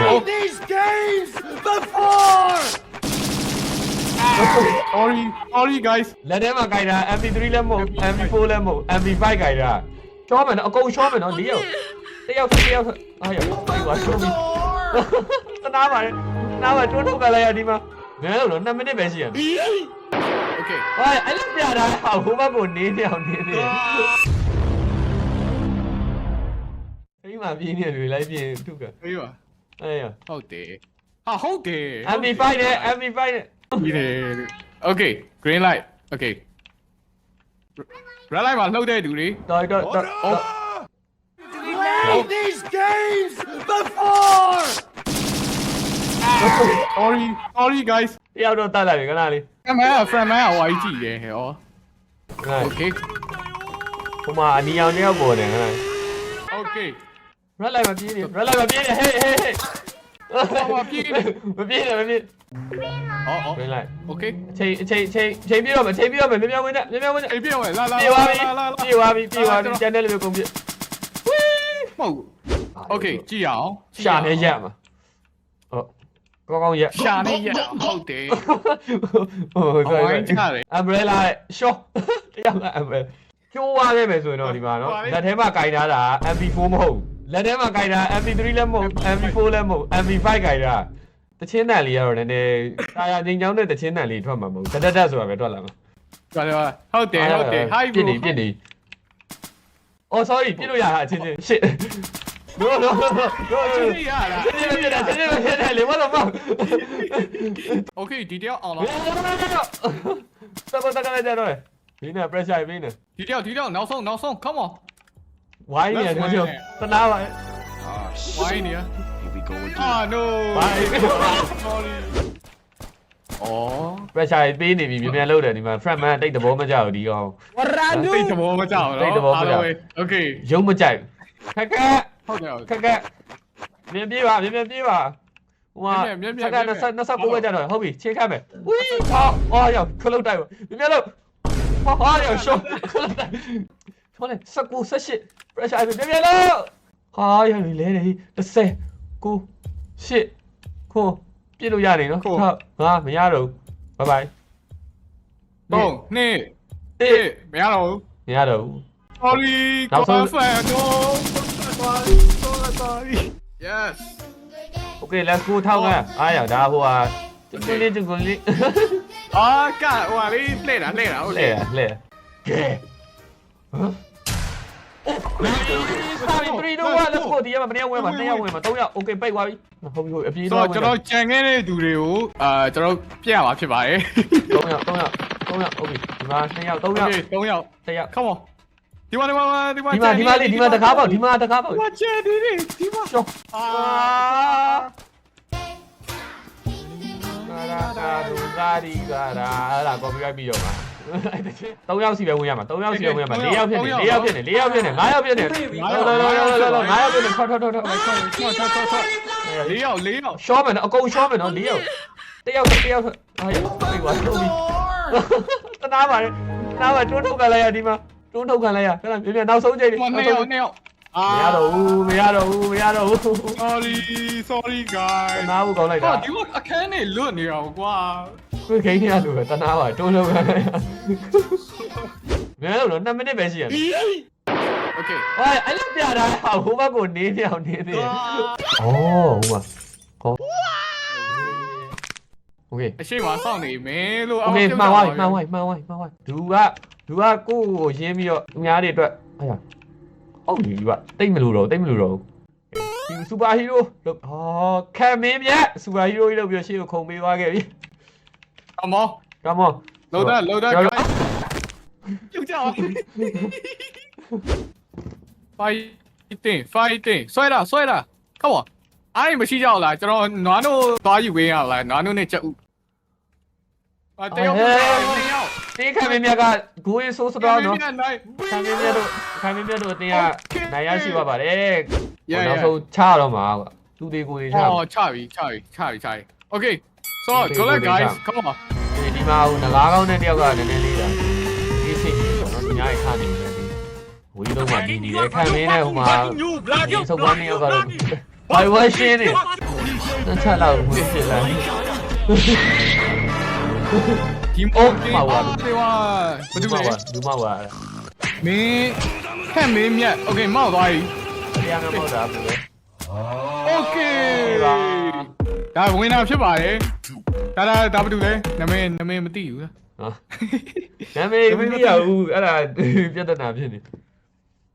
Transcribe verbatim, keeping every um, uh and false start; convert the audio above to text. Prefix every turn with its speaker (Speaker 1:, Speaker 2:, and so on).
Speaker 1: played these games before.
Speaker 2: Sorry, sorry guys.
Speaker 3: လက်ထဲမှာကြိုက်တာ M P three လည်းမဟုတ် M P four လည်းမဟုတ် M P five ကြိုက်တာရှော့မယ်နော်အကုန်ရှော့မယ်နော်၄ယောက်တယောက်တယောက်အားရပြီပါရှော့ပြီတနာပါလေနားမှာတွန်းထုတ်ကြလိုက်ရဒီမှာငယ်လို့တော့နှစ်မိနစ်ပဲရှိရမယ်
Speaker 2: Okay.
Speaker 3: ဟာအဲ့လိုပြတာဟာဟိုဘက်ကိုနေနေအောင်နေနေအိမ်မှာပြင်းနေတယ်လိုက်ပြင်းထုက
Speaker 2: Hey ba.
Speaker 3: အဲ့ရ
Speaker 2: ဟုတ်တယ်ဟာဟုတ်တယ်
Speaker 3: M P five နဲ့ M P five နဲ့
Speaker 2: ပြီးတယ် Okay, green light. Okay. Red light မှာလှုပ်တဲ့သူတွေ
Speaker 3: တော်တော်တော်
Speaker 1: Played these games before.
Speaker 2: Sorry, sorry guys.
Speaker 3: တယောက်တော့တတ်လိုက်ပြီခဏလေး
Speaker 2: Friend man, friend man ဟိုအကြီးကြည့်တယ်ဟဲ့ Okay.
Speaker 3: ဟိုမှာအနီအောင်တယောက်ပေါ်တယ်ခဏ
Speaker 2: Okay.
Speaker 3: red light မှာပြေးနေ red light မှာပြေးနေဟေးဟေးဟေးမပြေးနဲ့မပြေးနဲ့မပြေး
Speaker 2: အော်အော်
Speaker 3: green light
Speaker 2: Okay.
Speaker 3: အချိန်အချိန်အချိန်အချိန်ပြေးတော့မယ်အချိန်ပြေးတော့မယ်မြင်မြင်ဝင်နဲ့မြင်မြင်ဝင်နဲ့
Speaker 2: အေးပြေဝဲလာလာ
Speaker 3: ပြေးသွားပြီ
Speaker 2: လာလာ
Speaker 3: ပြေးသွားပြီပြေးသွားပြီကျန်တဲ့လူကုန်ပြေး
Speaker 2: ဟုတ် Okay ကြည့်အောင်
Speaker 3: ရှာနေရက်မှာဟုတ်ကောင်းကောင်းရက်
Speaker 2: ရှာနေရဟုတ်တယ်
Speaker 3: ဟုတ်ကဲ့
Speaker 2: ဝိုင်းချတယ်
Speaker 3: umbrella ရဲ့ short တယောက်က umbrella ကျိုးသွားခဲ့မယ်ဆိုရင်တော့ဒီမှာနော်လက်ထဲမှာကင်ထားတာ M P four မဟုတ်လက်ထဲမှာကင်ထား M P three လည်းမဟုတ် M P four လည်းမဟုတ် M P five ကင်ထားတချင်းတန်လေးကတော့နည်းနည်းတာယာငိန်ချောင်းတဲ့တချင်းတန်လေးထွက်မှာမဟုတ်တက်တက်တက်ဆိုတာပဲထွက်လာမှာ
Speaker 2: ဟုတ်တယ်ဟုတ်တယ်ဟုတ်တယ် Hi
Speaker 3: ပြစ်
Speaker 2: bro
Speaker 3: နေပြစ်နေ Oh sorry ပြစ်လို့ရတာအချင်းချင်း shit No no no no
Speaker 2: ချင်းရလား
Speaker 3: ချင်းချင်းပြစ်တာချင်းချင်းပြစ်တယ်လေဘာလို့မဟုတ်
Speaker 2: Okay ဒီတယောက်အောင်လား
Speaker 3: စပ်ပတ်တက်ကြတော့ဒီနဲ့ pressure ပေးနေ
Speaker 2: ဒီတယောက်ဒီတယောက်နောက်ဆုံးနောက်ဆုံး come on
Speaker 3: ဝိုင်းနေတယ်ကျွန်တော်တနာပါ
Speaker 2: ဝိုင်းနေ
Speaker 1: Here we go again.
Speaker 2: Ah no
Speaker 3: ဝိုင်း
Speaker 2: sorry အော်
Speaker 3: pressure ပေးနေပြီမြန်မြန်လုပ်တယ်ဒီမှာ front man တိတ်သဘောမကျဘူးဒီကောင်
Speaker 2: တိတ်သဘောမကြောက်နော် Okay
Speaker 3: ရုံးမကြိုက်ခက်ခက်
Speaker 2: ဟုတ်တယ်
Speaker 3: ခက်ခက်မြင်ပြေးပါမြင်မြင်ပြေးပါဟိုကစက္ကန့်29 29ပဲကြတော့ဟုတ်ပြီချင်းခတ်မယ်ဝီးဟောအော်ရောက်ခလုတ်တိုက်ပါမြင်မြင်လို့ဟောဟောရောက်ရှော့ခလုတ်တိုက်ဟောလေ19 18 pressure မြင်မြင်လို့ဟာရောက်လေလေ30 9 8ခုပြည့်လို့ရတယ်နော်ဟုတ်ငါမရတော့ဘူးဘိုင်ဘိုင်
Speaker 2: တော့နှစ်
Speaker 3: အေး
Speaker 2: မရတော့ဘူး
Speaker 3: မရတော့ဘူး
Speaker 2: Sorry
Speaker 3: နောက်ဆုံး
Speaker 2: fan no sorry sorry Yes
Speaker 3: Okay let's go ထောက်ကအားရဒါဟိုဟာကျုံလေးကျုံလေး
Speaker 2: အာကဟိုလေးလှည့်တာလှည့်တာဟုတ်
Speaker 3: လဲ
Speaker 2: လေ
Speaker 3: လဲကဲဟမ်စာရီ3 2 1 let's go ဒီမှာမနေ့ဝင်မှာနှစ်ယောက်ဝင်မှာသုံးယောက် okay ပိတ်သွားပြီဟုတ်ပြီဟုတ်အပြေး
Speaker 2: ဆို
Speaker 3: တော့
Speaker 2: တော့ကျွန်တော်ကြံခဲ့တဲ့သူတွေကိုအာကျွန်တော်ပြရမှာဖြစ်ပါတယ်
Speaker 3: သုံးယောက်သုံးယောက်သုံးယောက် okay ဒီမှာနှစ်ယောက်သုံးယောက်
Speaker 2: Okay သုံးယောက်
Speaker 3: တစ်ယောက်
Speaker 2: Come on ဒီမှာဒီမှာဒီမှာ
Speaker 3: ဒီမှာဒီမှာလေးဒီမှာတကားပေါက်ဒီမှာတကားပေါက်
Speaker 2: ဒီမှာချဲဒီဒီဒီမှာ
Speaker 3: ရှော့
Speaker 2: အာ
Speaker 3: ကာရာကာဒူကာရီကာရာအဲ့ဒါ copyright ပြီးတော့မှာသုံးယောက်စီပဲဝင်ရမှာသုံးယောက်စီပဲဝင်ရမှာ၄ယောက်ဖြစ်နေ၄ယောက်ဖြစ်နေ၄ယောက်ဖြစ်နေ၅ယောက်ဖြစ်နေ၅ယောက်ဖြစ်နေ၅ယောက်ဖြစ်နေထွက်ထွက်ထွက်ထွက်
Speaker 2: ဆော့ဆော့ဆော့ဆော့လေးယောက်လေးယောက်
Speaker 3: ရှော့မယ်နော်အကုန်ရှော့မယ်နော်၄ယောက်တယောက်တယောက်ဟာရပြီပါလို့ပြီတနာပါလေတနာပါတွန်းထုတ်ကြလိုက်ရဒီမှာတွန်းထုတ်ခံလိုက်ရခဏမြင်မြင်နောက်ဆုံးချိန်
Speaker 2: ဒီမှာနှစ်ယောက်နှစ်ယောက်အာ
Speaker 3: မရတော့ဘူးမရတော့ဘူးမရတော့ဘူး
Speaker 2: sorry sorry
Speaker 3: တ
Speaker 2: guys
Speaker 3: နာဘူးကောင်းလိုက်
Speaker 2: ဟာ
Speaker 3: တာ
Speaker 2: ဒီကအခန်းနေလွတ်နေအောင်ကွာ
Speaker 3: ခွေခိန်းနေရလို့ပဲတနာပါတွန်းထုတ်ခံလိုက်ရမရတော့နှစ်မိနစ်ပဲရှိရမယ်
Speaker 2: Okay
Speaker 3: ဟာအဲ့လိုပြတာဟာဟိုဘက်ကိုနေနေအောင်နေနေဩဟိုမှာဟောโอเค
Speaker 2: အရှိမစောင့်နေမယ်လို့
Speaker 3: โอเคမှန်သွားပြီမှန်သွားပြီမှန်သွားပြီမှန်သွားပြီဒူကဒူကကိုယ့်ကိုရင်းပြီးတော့သူများတွေအတွက်အဲ့ဒါဟုတ်ပြီဒီကတိတ်မလို့တော့တိတ်မလို့တော့ဒီစူပါဟီးရိုးလို့ဟောခံမင်းမြတ်စူပါဟီးရိုးကြီးလို့ပြီးတော့ရှေ့ကိုခုံပေးသွားခဲ့ပြီ
Speaker 2: Come on
Speaker 3: Come on
Speaker 2: လောဒါလောဒါပြုတ်ကြအောင် Fighting fighting ဆွဲတာဆွဲတာ Come on အားရမရှိကြဘူးလားကျွန်တော်နွားတို့သွားယူဝင်းရလားနွားတို့နဲ့ချက်ဦးအတယောက်တယောက်
Speaker 3: တေးခံမင်းမြတ်ကဂိုးရေးဆိုးစတော့နော်
Speaker 2: နိုင်
Speaker 3: ခံမင်းမြတ်တို့ခံမင်းမြတ်တို့အတင်းကနိုင်ရရှိပါပါတယ်
Speaker 2: ရရ
Speaker 3: နောက်ဆုံးချတော့မှာကွာသူတေကိုတွေချ
Speaker 2: အော်ချပြီချပြီချပြီချပြီ Okay so go let guys come on
Speaker 3: ဒီမှာဟိုငကားကောင်းတဲ့တယောက်ကနည်းနည်းလေးတာဒီစိတ်ကြီးပေါ့နော်ဒီညာရေးခါနေတယ်ဝီလုံးမှာဒီနေတယ်ခံမင်းနဲ့ဟိုမှာဒီစုပ်ပန်းနေရောက်ကတော့ဘိုင်ဝါရှင်းနေနှစ်ချက်လောက်ဝင်ဖြစ်လာ
Speaker 2: ဒီမောကေပါတေဝါဘာတူလဲ
Speaker 3: လူမပါ
Speaker 2: မင်းဟဲ့မင်းမြတ်โอเคမောက်သွားပြီ
Speaker 3: တရားမဟုတ်တာဘူးလေ
Speaker 2: โอเคဒါဝင်တာဖြစ်ပါတယ်ဒါဒါဒါဘာတူလဲနာမည်နာမည်မသိဘူးလား
Speaker 3: နာမည်မသိရဘူးအဲ့ဒါပြဿနာဖြစ်နေ